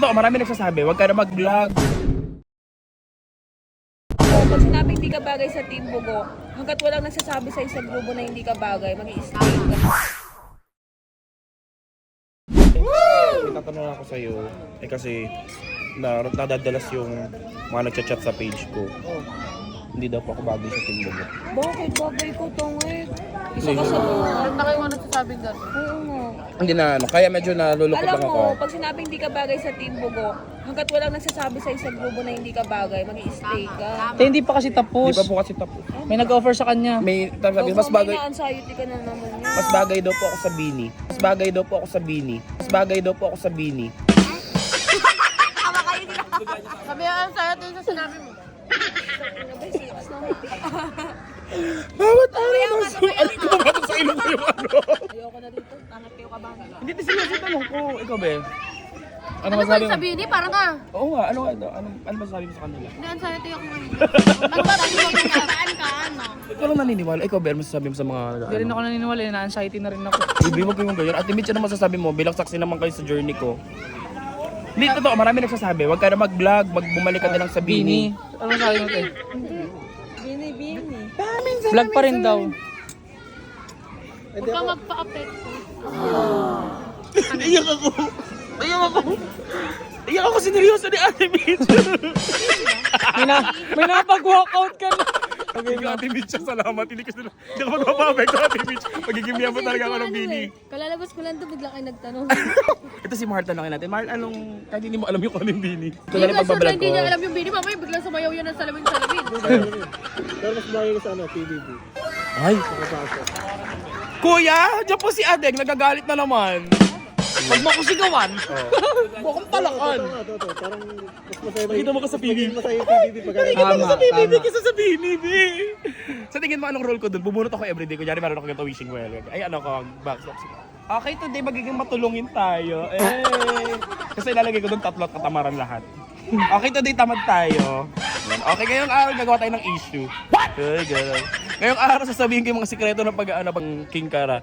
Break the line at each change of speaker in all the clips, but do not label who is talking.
totoo, marami nagsasabi, huwag ka na mag-vlog.
Pag sinabing hindi ka bagay sa Team Bugo, hanggat walang nagsasabi sa isang grupo na hindi ka bagay, mag-i-stay ka.
May tatanong ako sa'yo, kasi nadadalas yung mga nagchat-chat sa page ko. Hindi daw po ako bagay sa Team Bugo.
Bakit bagay ko, Tongit? Isa ka sa mga.
Na kayo mga nagsasabing gano'n.
Oo nga.
Hindi na kaya medyo nalulungkot
Alam
lang ako.
mo, pag sinabing hindi ka bagay sa Team Bugo, hanggat walang nagsasabi sa isang grupo na hindi ka bagay, mag-i-stay ka.
Hindi pa kasi tapos.
Hindi pa po kasi tapos.
May nag-offer sa kanya.
May sabi, mas bagay.
May na-anxiety ka na naman yun.
Mas bagay daw po ako sa Bini. Mas bagay daw po ako sa Bini. Mas bagay daw po ako sa Bini.
Sabi yan sa'yo, ito yung sa sinabi mo.
Bawat araw mas ano ko ba sa ilong ko yung ano?
Ayoko na dito. Tangat kayo kabahan.
Hindi kasi yung tanong ko. Ikaw ba? Ano
Ano ba
masabi
yung
mo?
sabihin ni? Parang ka.
Oo nga, ano masabi mo sa kanila?
Hindi, ang sa'yo, ito yung magsasabi mo kung saan ka, ano.
Ikaw lang naniniwala. Ikaw ba, ano masasabi mo sa mga
Hindi rin ako naniniwala, na-anxiety na rin ako.
Hindi mo kayong ganyan. Ate Mitch, ano masasabi mo? Bilang saksi naman kayo sa journey ko. Hindi, totoo, marami nagsasabi. Huwag ka na mag-vlog, bumalik ka na lang sa Bini.
Ano sabi mo, te?
Bini.
Vlog pa rin daw.
Huwag ka magpa-apekto.
Iyak ako. Iyak ako sineryoso ni Ate Mitch.
May napag-walkout ka na.
Thank you, Ate Mitch. Salamat. Hindi ka magpapapekto, Ate Mitch. Magiging miyam mo talaga ako ng Bini.
Kalalabas ko lang to, bigla kayo nagtanong.
Ito si Marta lang natin. Marta, kahit hindi mo alam yung anong Bini. Ito
Hindi
na lang
nga sure na
pagbablog
hindi
ko.
niya alam yung bini. Mamaya biglang sumayaw yan ng salamin-salamin.
Pero mas bagay ko sa ano, PBB.
Ay! Kuya, dyan po si Adeng. Nagagalit na naman. Pag mo ako sigawan. Bukong talakan.
Ito. Parang mas masaya ba
Nakita mo ka sa PBB.
mas masaya yung PBB pag
Tama,
Sa PBB
tama.
kaysa sa BNB. Sa tingin mo anong role ko doon? Bubunot ako everyday. Kunyari meron ako ganito wishing well. Ay ano ko, backstop. Okay, today magiging matulungin tayo. Kasi ilalagay ko doon 3 at katamaran lahat. Okay, today tamad tayo. Okay, ngayong araw gagawa tayo ng issue. Ay, gano'n. Ngayong araw sasabihin ko yung mga sikreto ng pag-ano pang King Kara.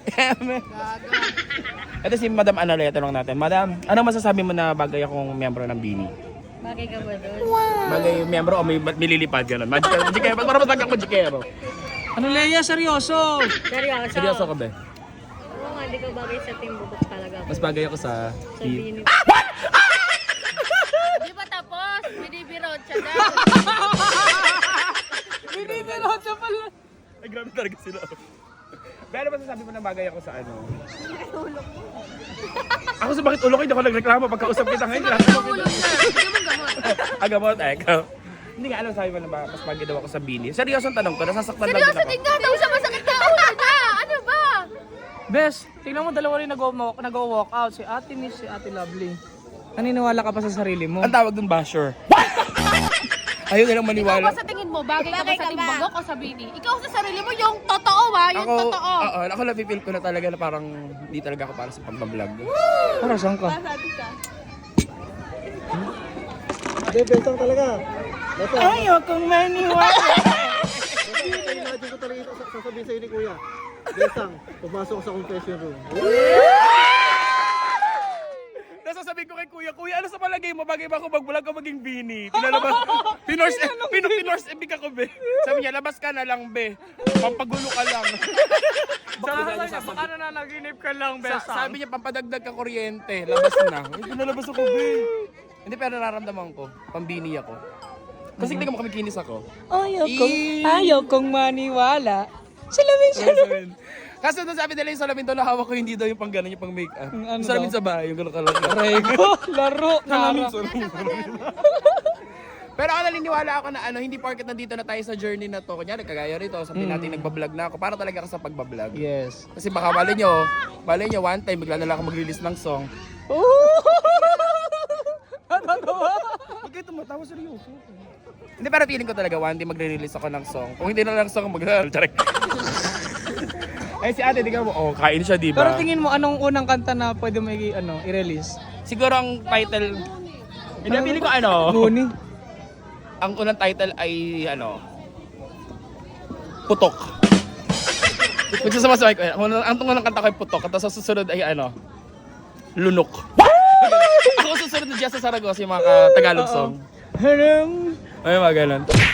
Ito si Madam Analea, tanong natin. Madam, ano masasabi mo na bagay akong miyembro ng Bini?
Bagay ka ba doon?
Bagay miyembro o may mililipad gano'n? Magikero, para matagak mo jikero.
Ano, Leia? Seryoso?
Seryoso?
Seryoso ka ba?
Oo nga, hindi ka bagay sa Team Bugo talaga.
Mas bagay ako sa...
Bini.
Di ba tapos? Binibirot siya daw.
Binibirot siya pala.
Ay, grabe talaga sila. Pero ba sasabi mo na bagay ako sa ano? Ako sa bakit ulo ko, hindi ako nagreklamo pagkausap kita ngayon.
Ang ulo niya. Hindi mo gamot.
Agamot, ikaw. Hindi nga alam sabi mo na ba, mas bagay daw ako sa Bini. Seryoso ang tanong ko, nasasaktan lang din
Seryoso,
ako.
tingnan daw siya masakit na ulo niya. Ano ba?
Bes, tingnan mo dalawa rin nag-walk out. Si Ate Miss, si Ate Lovely. Naniniwala ka pa sa sarili mo?
Ang tawag dun, basher. Ayaw nilang
Ikaw
maniwala.
ba sa tingin mo, bagay ka ba sa Team Bugo o sa Bini? Ikaw sa sarili mo, yung totoo ha, yung totoo.
Ako napipil ko na talaga na parang hindi talaga ako para sa pagbablog.
Para saan ka?
Hindi, bentang talaga. Basta,
Ayaw kong maniwala.
imagine ko talaga sasabihin sa'yo ni Kuya. Bentang, pumasok ko sa confession room.
Nasasabihin ko kay Kuya, ano sa palagay mo? Bagay ba ako mag-vlog o maging Bini? Pinalabas, pinors ebig ako, be. Sabi niya, labas ka na lang, be. Pampagulo ka lang.
Baka nananaginip ka lang, Bes.
Sabi niya, pampadagdag ka kuryente. Labas na. Ay, pinalabas ako, be. Hindi, pero nararamdaman ko, pambini ako. Kasi tingnan mo kami kinis ako.
Ayaw kong maniwala. Salamin.
Kasi doon sabi nila yung salamin doon na hawak ko, hindi daw yung pang gano'n, yung pang make-up.
Ano
Yung salamin
daw?
sa bahay, yung gano'n kalaki.
Rego, laro, nara.
Pero ako naniniwala ako na hindi porket nandito na tayo sa journey na to. Kunyari, kagaya rito, sabihin natin nagbablog na ako. Para talaga ako sa pagbablog.
Yes.
Kasi baka mali nyo, one time, bigla na lang ako mag-release ng song. Huwag kayo tumatawa, seryoso. Hindi, pero feeling ko talaga, one day magre-release ako ng song. Kung hindi na lang song, mag-release. Ay, si ate, tingnan mo, kain siya, di
Pero
ba?
tingin mo, anong unang kanta na pwede mo i-release?
Siguro ang title, hindi, feeling ko
Guni.
ang unang title ay, Putok. Kung sasama-sama ko, ang unang kanta ko ay Putok, at sa susunod ay, Lunok. Ako susunod na Jessa Saragosa yung mga Tagalog song. Ay, mga ganun.